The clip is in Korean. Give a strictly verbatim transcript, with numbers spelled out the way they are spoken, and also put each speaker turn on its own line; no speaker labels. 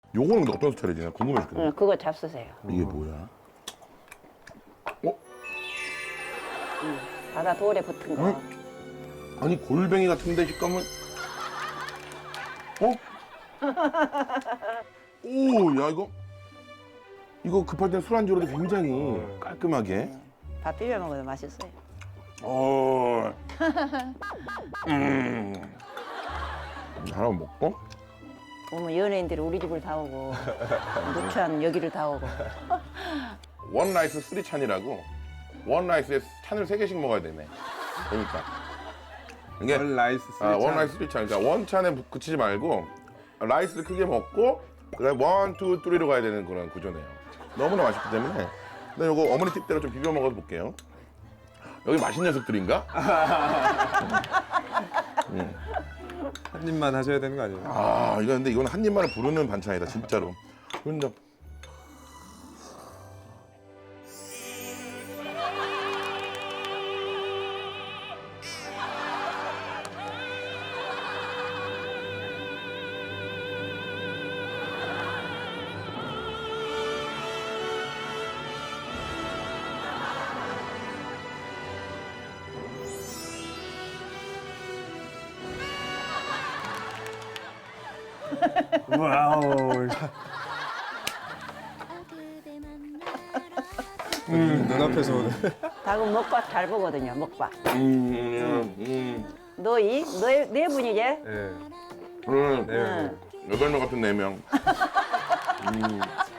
요거는 근데 어떤 스타일이지? 나 궁금해 죽겠네.
응, 그거 잡수세요.
이게 뭐야? 어?
응, 바다 돌에 붙은 거.
응? 아니 골뱅이 같은데 식감은? 어? 오, 야 이거 이거 급할 땐 술안주로도 굉장히 깔끔하게.
밥 비벼 먹어도 맛있어요.
어. 음. 하나 먹고.
보면 연예인들이 우리 집을 다 오고 누추한 여기를 다 오고.
원 라이스 쓰리 찬이라고. 원 라이스에 찬을 세 개씩 먹어야 되네. 그러니까. 이게
원 라이스
아,
쓰리
원
찬.
라이스 쓰리 찬. 그러니까 원 찬에 그치지 말고 라이스를 크게 먹고 그다음에 원, 투, 쓰리로 가야 되는 그런 구조네요. 너무나 맛있기 때문에. 근데 이거 어머니 팁대로 좀 비벼 먹어 볼게요. 여기 맛있는 녀석들인가?
한 입만 하셔야 되는 거 아니에요?
아, 이거 근데 이건 한 입만을 부르는 반찬이다, 진짜로. 근데
와우. 음, 눈앞에서 오는.
닭은 먹밥 잘 보거든요. 먹밥.
음, 음,
너희 너희 네 분이지?
네.
음,
네.
여덟 명 같은 네 명. 음.